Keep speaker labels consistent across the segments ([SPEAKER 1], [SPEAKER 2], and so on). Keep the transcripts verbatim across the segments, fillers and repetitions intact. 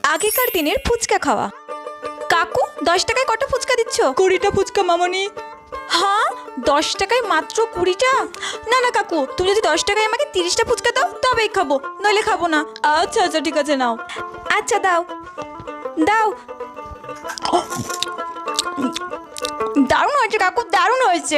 [SPEAKER 1] আগেকার দিনের ফুচকা খাওয়া। কাকু, দশ টাকায় কটা ফুচকা দিচ্ছ?
[SPEAKER 2] কুড়িটা ফুচকা মামনি।
[SPEAKER 1] হ্যাঁ, দশ টাকায় মাত্র কুড়িটা? না না কাকু, তুমি যদি দশ টাকায় আমাকে তিরিশটা ফুচকা দাও তবেই খাবো, নইলে খাবো না।
[SPEAKER 2] আচ্ছা আচ্ছা ঠিক আছে, নাও।
[SPEAKER 1] আচ্ছা দাও দাও। দারুণ হয়েছে কাকু, দারুণ হয়েছে।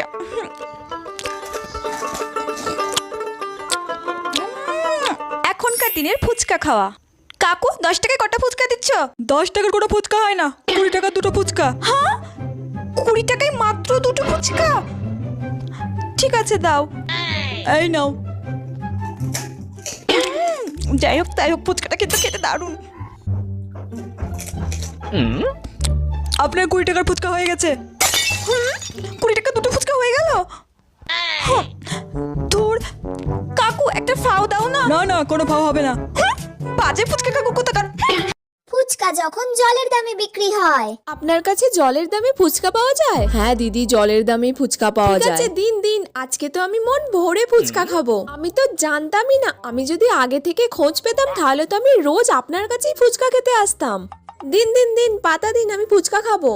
[SPEAKER 1] এখনকার দিনের ফুচকা খাওয়া। কাকু, দশ টাকায় কটা ফুচকা দিচ্ছ?
[SPEAKER 2] দশ টাকার কোনো ফুচকা হয় না, কুড়ি টাকার দুটো ফুচকা।
[SPEAKER 1] হ্যাঁ, কুড়ি টাকায় মাত্র দুটো ফুচকা? ঠিক আছে দাও।
[SPEAKER 2] এই নাও।
[SPEAKER 1] যাই হোক তাই হোক, ফুচকাটা কিন্তু খেতে দারুণ।
[SPEAKER 2] আপনার কুড়ি টাকার ফুচকা হয়ে গেছে।
[SPEAKER 1] কুড়ি টাকা দুটো ফুচকা হয়ে গেল? ধুর, কাকু একটা ফাও দাও না।
[SPEAKER 2] না না, কোনো ভাও হবে না।
[SPEAKER 1] বাজে ফুচকা কাকু কোথাকার।
[SPEAKER 3] ফুচকা যখন জলের দামে বিক্রি হয়।
[SPEAKER 4] আপনার কাছে জলের দামে ফুচকা পাওয়া যায়? হ্যাঁ দিদি, জলের দামে ফুচকা পাওয়া যায়। আচ্ছা দিন দিন, আজকে তো আমি মন ভরে ফুচকা খাবো। আমি তো জানতামই না, আমি যদি আগে থেকে খোঁজ পেতাম তাহলে তো আমি রোজ আপনার কাছেই ফুচকা খেতে আসতাম। দিন দিন দিন, পাতা দিন, আমি ফুচকা খাবো।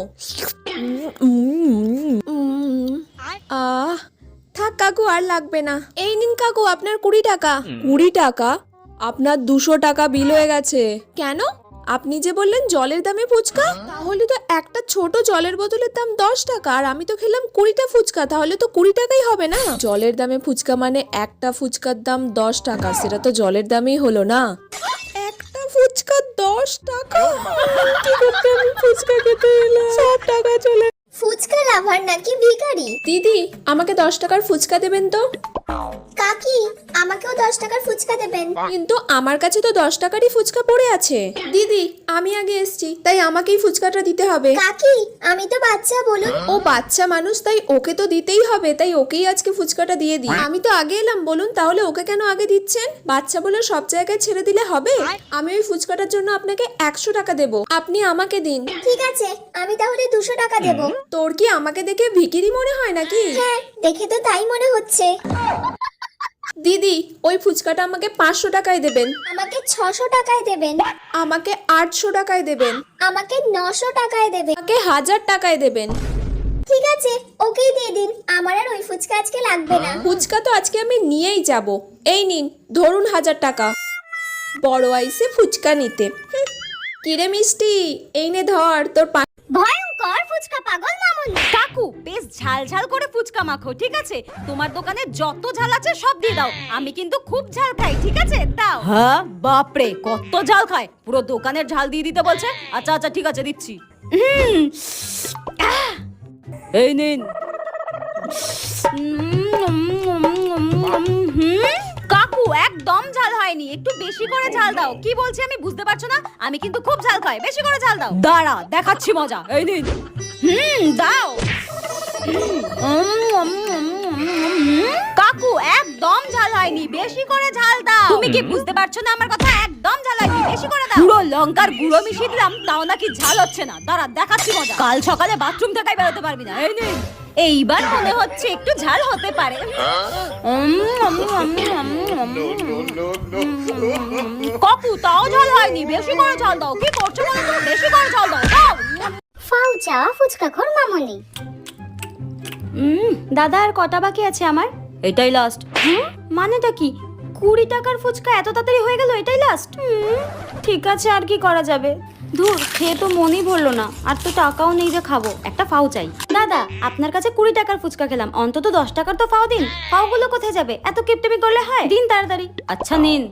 [SPEAKER 4] আহ থাক কাকু, আর লাগবে না। এই নিন কাকু, আপনার কুড়ি টাকা। কুড়ি টাকা? আপনার দুশো টাকা বিল হয়ে গেছে। কেন? আপনি যে বললেন জলের দামে ফুচকা, তাহলে তো একটা ছোট জলের বোতলের দাম দশ টাকা, আর আমি তো খেলাম কুড়িটা ফুচকা, তাহলে তো কুড়ি টাকাই হবে না? জলের দামে ফুচকা মানে একটা ফুচকার দাম দশ টাকা, সেটা তো জলের দামেই হলো না। একটা ফুচকা দশ টাকা? কি করতে আমি ফুচকা খেতে এলাম, সব টাকা চলে।
[SPEAKER 3] ফুচকা লাভার নাকি ভিখারি?
[SPEAKER 4] দিদি, আমাকে দশ টাকার ফুচকা দেবেন তো।
[SPEAKER 3] কাকি, আমাকেও দশ টাকার ফুচকা দেবেন।
[SPEAKER 4] কিন্তু আমার কাছে তো দশ টাকারই ফুচকা পড়ে আছে। দিদি, আমি আগে এসেছি, তাই আমাকেই ফুচকাটা দিতে হবে।
[SPEAKER 3] কাকি, আমি তো বাচ্চা, বলুন।
[SPEAKER 4] ও বাচ্চা মানুষ, তাই ওকে তো দিতেই হবে, তাই ওকেই আজকে ফুচকাটা দিয়ে দিই। আমি তো আগে এলাম, বলুন তাহলে ওকে কেন আগে দিচ্ছেন? বাচ্চা বলে সব জায়গায় ছেড়ে দিলে হবে? আমি ওই ফুচকাটার জন্য আপনাকে একশো টাকা দেবো, আপনি আমাকে দিন।
[SPEAKER 3] ঠিক আছে, আমি তাহলে দুশো টাকা দেব।
[SPEAKER 4] তোর কি আমাকে দেখে ভিখিরি মনে হয় নাকি?
[SPEAKER 3] হ্যাঁ, দেখে তো তাই মনে হচ্ছে।
[SPEAKER 4] দিদি, ওই ফুচকাটা আমাকে পাঁচশো টাকায় দেবেন।
[SPEAKER 3] আমাকে ছশো টাকায় দেবেন।
[SPEAKER 4] আমাকে আটশো টাকায় দেবেন।
[SPEAKER 3] আমাকে নশো টাকায় দেবেন।
[SPEAKER 4] আমাকে হাজার টাকায় দেবেন।
[SPEAKER 3] ঠিক আছে, ওকেই দিয়ে দিন, আমার আর ওই ফুচকা আজকে লাগবে না।
[SPEAKER 4] ফুচকা তো আজকে আমি নিয়েই যাব। এই নিন, ধরুন হাজার টাকা। বড় আইসে ফুচকা নিতে। হুঁ, কিরে মিষ্টি, এই নে ধর তোর পা-
[SPEAKER 3] ভয়ঙ্কর ফুচকা পাগল মামুনি।
[SPEAKER 5] কাকু, বেশ ঝাল ঝাল করে ফুচকা মাখো, ঠিক আছে? তোমার দোকানে যত ঝাল আছে সব দিয়ে দাও, আমি কিন্তু খুব ঝাল খাই, ঠিক আছে? দাও। হ্যাঁ, বাপরে কত ঝাল খায়, পুরো দোকানের ঝাল দিয়ে দিতে বলছে। আচ্ছা আচ্ছা ঠিক আছে, দিচ্ছি। উম, আহ, এই নিন। কাকু, একদম ঝাল হয়নি, একটু বেশি করে ঝাল দাও। কি বলছি আমি বুঝতে পারছো না? আমি কিন্তু খুব ঝাল খাই, বেশি করে ঝাল দাও। দাঁড়া, দেখাচ্ছি মজা। এই নিন। হুম, দাও। কাকু, একদম ঝাল হয়নি, বেশি করে ঝাল দাও। তুমি কি বুঝতে পারছো না আমার কথা? একদম ঝাল হয়নি, বেশি করে দাও। পুরো লঙ্কার গুঁড়ো মিশিয়ে দিলাম, তাও নাকি ঝাল হচ্ছে না। দাঁড়া, দেখাচ্ছি মজা। কাল সকালে বাথরুম থেকে বেরোতে পারবি না। এই নিন। এইবার মনে হচ্ছে একটু ঝাল হতে পারে। কাকু, তাও ঝাল হয়নি, বেশি করে ঝাল দাও। কি করছো বলো তো? বেশি করে ঝাল দাও, দাও।
[SPEAKER 3] ফাউ চাওয়া ফুচকা খোর মামুনি।
[SPEAKER 5] হুম, দাদা আর কটা বাকি আছে আমার? এটাই লাস্ট। হুম, মানেটা কি? কুড়ি টাকার ফুচকা এত তাড়াতাড়ি হয়ে গেল, এটাই লাস্ট? ঠিক আছে, আর কি করা যাবে। ধুর, খেয়ে তো মনই ভরলো না, আর তো টাকাও নেই যে খাবো। একটা ফাও চাই। দাদা, আপনার কাছে কুড়ি টাকার ফুচকা খেলাম, অন্তত দশ টাকার তো ফাও দিন। ফাওগুলো কোথায় যাবে? এত কিপটেমি করলে হয়? দিন তাড়াতাড়ি। আচ্ছা নিন।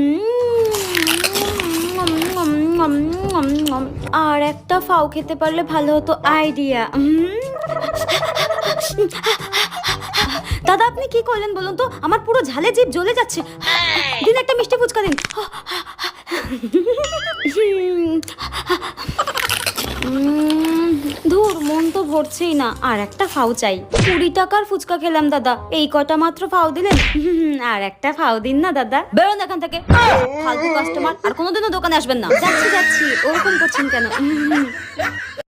[SPEAKER 5] হুম, আর একটা ফাও খেতে পারলে ভালো হতো। আইডিয়া। দাদা, আপনি কি করলেন বলুন তো? আমার পুরো ঝালে জিভ জ্বলে যাচ্ছে। দিন, একটা মিষ্টি ফুচকা দিন। ধুর, মন তো ভরছেই না, আর একটা ফাও চাই। কুড়ি টাকার ফুচকা খেলাম দাদা, এই কটা মাত্র ফাও দিলেন। আর একটা ফাও দিন না দাদা। বেরোন এখান থেকে, ফালতু কাস্টমার। আর কোনোদিনও দোকানে আসবেন না। যাচ্ছি যাচ্ছি, ওরকম করছেন কেন?